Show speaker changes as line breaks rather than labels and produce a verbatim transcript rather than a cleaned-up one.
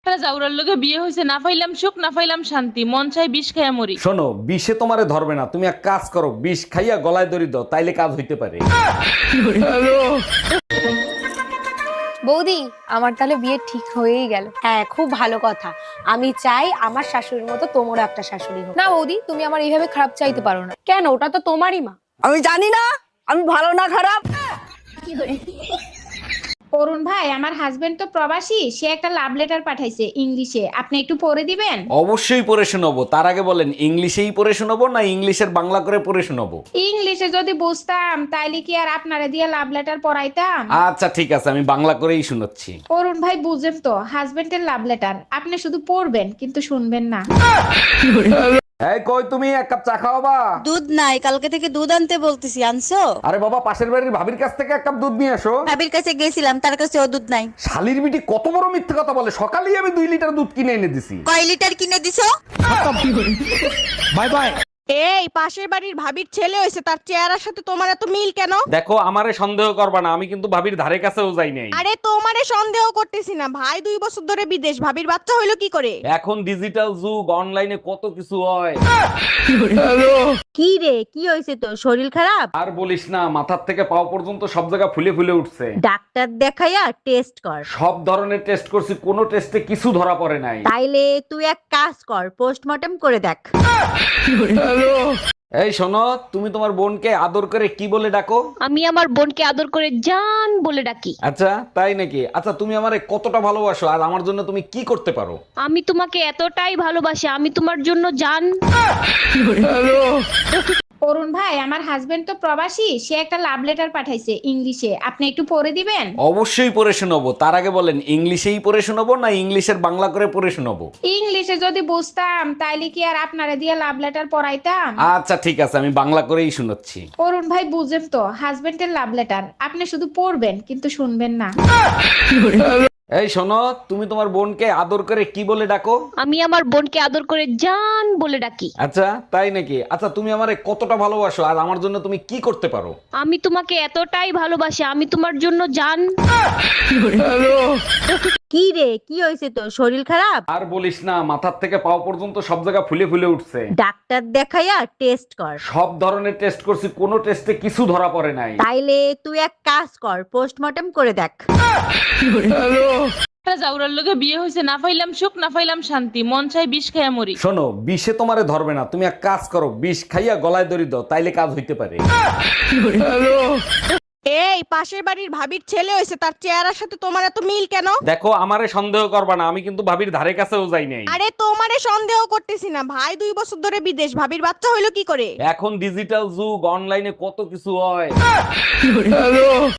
জাউরার লগে বিয়ে হয়েছে, না পাইলাম সুখ না পাইলাম শান্তি, মন চাই বিষ খাইয়া মরি।
শোনো, বিষে তোমারে ধরবে না, তুমি এক কাজ করো, বিষ খাইয়া গলায় দড়ি দাও, তাইলে কাজ হইতে পারে।
বৌদি, আমার তাহলে বিয়ে ঠিক হয়েই গেল।
হ্যাঁ, খুব ভালো কথা। আমি চাই আমার শাশুড়ির মতো তোমারও একটা শাশুড়ি হোক।
না বৌদি, তুমি আমার এইভাবে খারাপ চাইতে পারো না।
কেন? ওটা তো তোমারই মা।
আমি জানি না আমি ভালো না খারাপ।
অরুণ ভাই, আমার হাজবেন্ড তো প্রবাসী, সে একটা লাভ লেটার পাঠাইছে ইংলিশে, আপনি একটু পড়ে দিবেন?
অবশ্যই পড়ে শোনাবো। তার আগে বলেন, ইংলিশেই পড়ে শোনাবো না ইংলিশের বাংলা করে পড়ে শোনাবো?
ইংলিশে যদি বুঝতাম তাইলে কি আর আপনারে দিয়ে লাভ লেটার পড়াইতাম?
আচ্ছা ঠিক আছে, আমি বাংলা করেই শোনাচ্ছি।
অরুণ ভাই, বুঝেন তো, হাজবেন্ডের লাভ লেটার, আপনি শুধু পড়বেন কিন্তু শুনবেন না।
এই কই তুমি, এক কাপ চা খাওয়াবা?
দুধ নাই, কালকে থেকে দুধ আনতে বলতেছি, আনছো?
আরে বাবা, পাশের বাড়ির ভাবির কাছ থেকে এক কাপ দুধ নিয়ে আসো।
ভাবির কাছে গেছিলাম, তার কাছে ও দুধ নাই।
শালির বিটি কত বড় মিথ্যে কথা বলে, সকালেই আমি দুই লিটার দুধ কিনে এনে দিছি।
কয় লিটার কিনে দিছো?
Bye bye.
এই পাশের বাড়ির ভাবির ছেলে হয়েছে, তার চেহারার সাথে তোমার এত মিল কেন?
দেখো, আমারে সন্দেহ করবা না, আমি কিন্তু ভাবির ধারে কাছেও যাই নাই।
আরে তোমারে সন্দেহ করতেছি না, ভাই দুই বছর ধরে বিদেশ, ভাবির বাচ্চা হইলো কি করে?
এখন ডিজিটাল যুগ, অনলাইনে কত কিছু হয়।
কি রে, কি হয়েছে তোর? শরীর খারাপ?
আর বলিস না, মাথার থেকে পাও পর্যন্ত সব জায়গা ফুলে ফুলে উঠছে।
ডাক্তার দেখাইয়া টেস্ট কর।
সব ধরনের টেস্ট করছি, কোনো টেস্টে কিছু ধরা পড়ে নাই।
তাইলে তুই এক কাজ কর, পোস্টমর্টম করে দেখ।
এই শোনো, তুমি তোমার বোনকে আদর করে কি বলে ডাকো?
আমি আমার বোনকে আদর করে জান বলে ডাকি।
আচ্ছা তাই নাকি? আচ্ছা, তুমি আমারে কতটা ভালোবাসো আর আমার জন্য তুমি কি করতে পারো?
আমি তোমাকে এতটাই ভালোবাসি, আমি তোমার জন্য জান।
অরুণ ভাই, আমার হাজবেন্ড তো প্রবাসী, সে একটা লাভ লেটার পাঠাইছে ইংলিশে, আপনি একটু পড়ে দিবেন?
অবশ্যই পড়ে শোনাবো। তার আগে বলেন, ইংলিশেই পড়ে শোনাবো না ইংলিশের বাংলা করে পড়ে শোনাবো?
ইংলিশে যদি বুঝতাম তাইলে কি আর আপনারে দিয়ে লাভ লেটার পড়াইতাম?
আচ্ছা ঠিক আছে, আমি বাংলা করেই শোনাচ্ছি।
অরুণ ভাই, বুঝেন তো, হাজবেন্ডের লাভ লেটার, আপনি শুধু পড়বেন কিন্তু শুনবেন না।
এই শোনো, তুমি তোমার বোনকে আদর করে কি বলে ডাকো?
আমি আমার বোনকে আদর করে জান বলে ডাকি।
আচ্ছা তাই নাকি? আচ্ছা, তুমি আমারে কতটা ভালোবাসো আর আমার জন্য তুমি কি করতে পারো?
আমি তোমাকে এতটাই ভালোবাসি, আমি তোমার জন্য জান।
কি রে, কি হয়েছে তোর? শরীর খারাপ?
আর বলিস না, মাথার থেকে পাও পর্যন্ত সব জায়গা ফুলে ফুলে উঠছে।
ডাক্তার দেখাইয়া টেস্ট কর।
সব ধরনের টেস্ট করছি, কোনো টেস্টে কিছু ধরা পড়ে নাই।
তাইলে তুই এক কাজ কর, পোস্টমর্টম করে দেখ।
জাউরার লগে বিয়ে হয়েছে, না পাইলাম সুখ না পাইলাম শান্তি, মন চাই বিষ খাইয়া মরি।
শোনো, বিষে তোমারে ধরবে না, তুমি এক কাজ করো, বিষ খাইয়া গলায় দড়ি দাও, তাইলে কাজ হইতে পারে।
এই পাশের বাড়ির ভাবির ছেলে হয়েছে, তার চেহারার সাথে তোমার এত মিল কেন?
দেখো, আমারে সন্দেহ করবা না, আমি কিন্তু ভাবির ধারে কাছেও যাই নাই।
আরে তোমারে সন্দেহ করতেছি না, ভাই দুই বছর ধরে বিদেশ, ভাবির বাচ্চা হইলো কি করে?
এখন ডিজিটাল যুগ, অনলাইনে কত কিছু হয়।